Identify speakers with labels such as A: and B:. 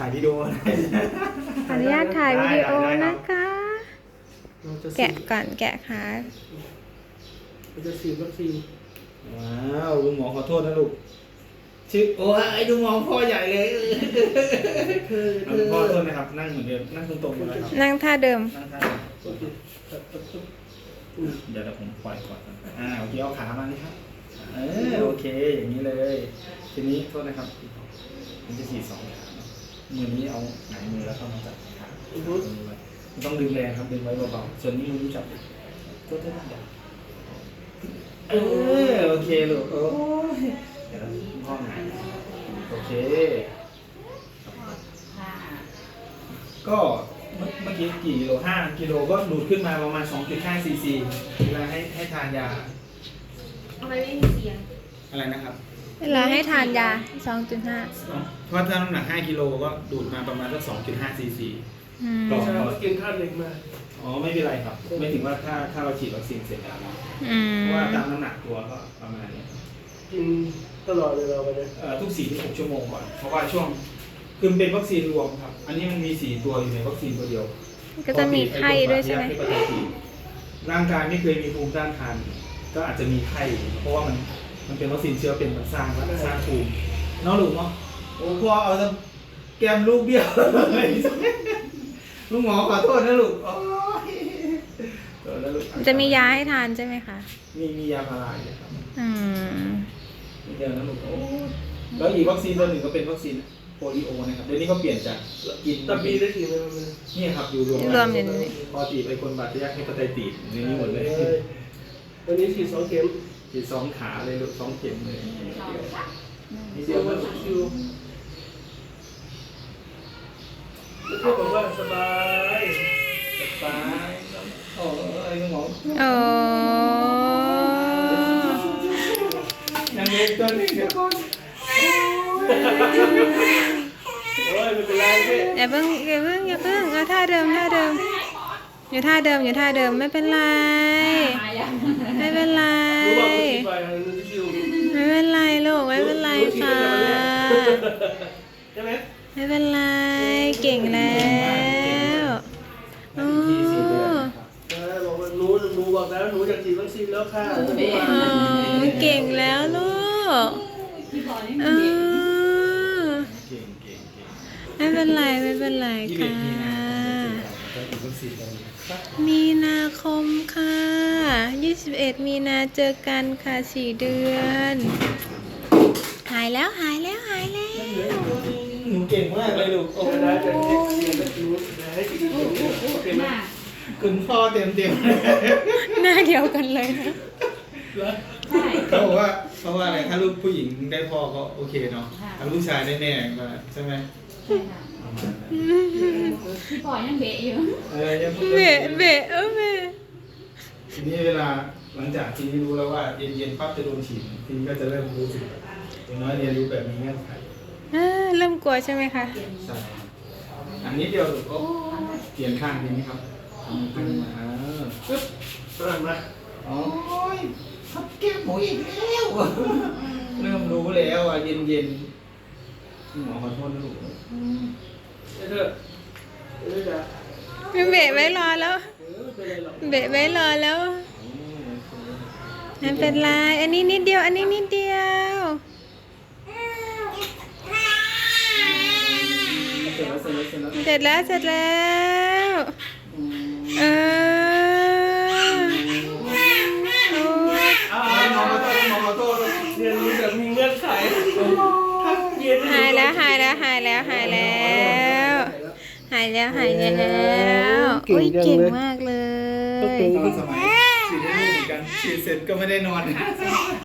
A: ถ่ายวิดีโอนะ
B: ขออนุญาตถ่ายวิดีโอนะคะ แกะก่อนแกะค่ะ
C: เราจะฉีดวัคซีน
A: ว้าวลุงหมอขอโทษนะลูกชื่อโอ้ยลุงหมอพ่อใหญ่เลยเอาพ่อโทษนะครับนั่งเหมือนเดิมนั่งตรงๆเลยครับ
B: นั่งท่าเดิม
A: นั่งท่าเดี๋ยวผมปล่อยก่อนโอเคเอาขามานี่ครับโอเคอย่างนี้เลย ทีนี้โทษนะครับผมจะฉีด2 ขามือนี้เอาหงายมือแล้วก็มาจับขาต้องดึงแรงครับดึงไว้เบาๆส่วนนี้มือนี้จับโทษนะครับโอเคลูกโอ้ยเดี๋ยวพ่อหงายโอเคก็เมื่อกี้กี่กิโล5 กิโลก็ดูดขึ้นมาประมาณ 2.5 ซีซีเวลาให้ทานยา
D: ทำไมไม่มีเสียง
A: อะไรนะครับ
B: เวลาให้ทานยา 2.5
A: เพราะถ้าน้ำหนัก5 กิโลก็ดูดมาประมาณสัก 2.5 ซีซี
C: ไม่ใช่ว่ากินธาตุเหล็กมา
A: อ๋อไม่เป็นไรครับไม่ถึงว่าถ้าเราฉีดวัคซีนเสร็จแล้วนะเพราะว่าตามน้ำหนักตัวก็ประมาณนี้
C: กินตลอดเวลาไปเลย
A: ทุก 4-6 ชั่วโมงก่อนเพราะว่าช่วงคือมันเป็นวัคซีนรวมครับอันนี้มันมี4 ตัวอยู่ในวัคซีนตัวเดียว
B: ก็จะมีไข้ด้วยใช่ไหม
A: ร่างกายไม่เคยมีภูมิต้านทานก็อาจจะมีไข้เพราะว่ามันเป็นวัคซีนเชื้อเป็นมันสร้างภูมิน้องลูกเนาะโอ้พ่อเอาซะแก้มลูกเบี้ยวลูกหมอขอโทษนะลูก
B: จะมียาให้ทานใช่ไหมคะ
A: มียาพาราอยู่ครับ
B: ม
A: เดี๋ยวนะลูกโอ้แล้วอีกวัคซีนตัวหนึ่งก็เป็นวัคซีนโปลิโอนะครับเดี๋ยวนี้เขาเปลี่ยนจากกิน
C: ตะปีได้ฉีดไหมมัน
A: นี่ครับอยู่รวม
B: รวมอยู่นี่
A: ปกติไปคนบาดทะยักให้ปไตติดในนี้หมดเลย
C: วันนี้ฉีด2 เข็ม
A: ฉีด2 ขาเลยลูก2 เข็มเลยนี่
C: เสี
A: เดี
C: ย
A: ยว
C: วั
A: ก็
C: นชิวไม่ใช่บอกว่าสบาย
A: ตายโอ้ยคุณหมอ
B: โอ้
A: ยังเล็กตัวนึงเดี๋ยวก่อน
C: โอ้ยไม่เป็นไรพี่
B: อย่าเพิ่งเอาท่าเดิมอยู่ท่าเดิมไม่เป็นไร ไม่เป็นไร
C: รู้ว่าฉีดไปมันชิว
B: ไม่เป็นไรลูกไม่เป็นไรค่ะ
C: ใช่ไหม
B: ไม่เป็นไรเก่งแล้วโอ้
C: บอกว่าหนูบอกแล้วหนูอยากฉีดวัคซีนแล้วค่ะ
B: เก่งแล้วลูกเออ
A: เก่ง
B: ไม่เป็นไรค่ะ มีนาคมค่ะ21 มีนาเจอกันค่ะ4 เดือน หายแล้ว
A: หนูเก่งมากเลยลูกโอ้
C: ได้จะให้ฉีดหนูให้ฉีดโอเคไหม
A: คุณพ่อเต็ม
B: หน้าเดียวกันเลยนะ
A: เขาบอกว่าเพราะว่าอะไรถ้าลูกผู้หญิงได้พ่อก็โอเคเนาะถ้าลูกชายได้แม่มาใช่ไหม
D: พี่ปอยยังเบะอยู่
A: ยังพูด
B: เบะเบะ
A: ทีนี้เวลาหลังจากทีนี้รู้แล้วว่าเย็นปั๊บจะโดนฉีดทีนี้ก็จะเริ่มรู้สึกอย่างน้อยเรียนรู้แบบมีเงื่อนไข
B: เริ่มกลัวใช่ไหมคะ
A: ใช่อันนี้เดียวลูกโอ้เปลี่ยนข้างทีนี้ครับข้างมาปึ๊บ
C: สลับมา
A: โอ้ยทับแก้มหมูอีกแล้วเริ่มรู้แล้วอ่ะเย็นหมอขอโทษนะลูก
C: เถอะไม่ได้
B: เบะไว้รอแล้ว
C: ไม่เป็นไรหรอก
B: เบะไว้รอแล้วไม่เป็นไรอันนี้นิดเดียว
A: เสร็จแล้ว
B: เสร็จแล้ว เออโอ้ย
A: หมอขอโทษ
C: เรียนรู้แบบมีเงื่อนไขถ้าเย็น
B: หายแล้วโอ้ยเก่งมากเลย
A: ตอนสมัยฉีดให้ลูกเหมือนกันฉีดเสร็จก็ไม่ได้นอน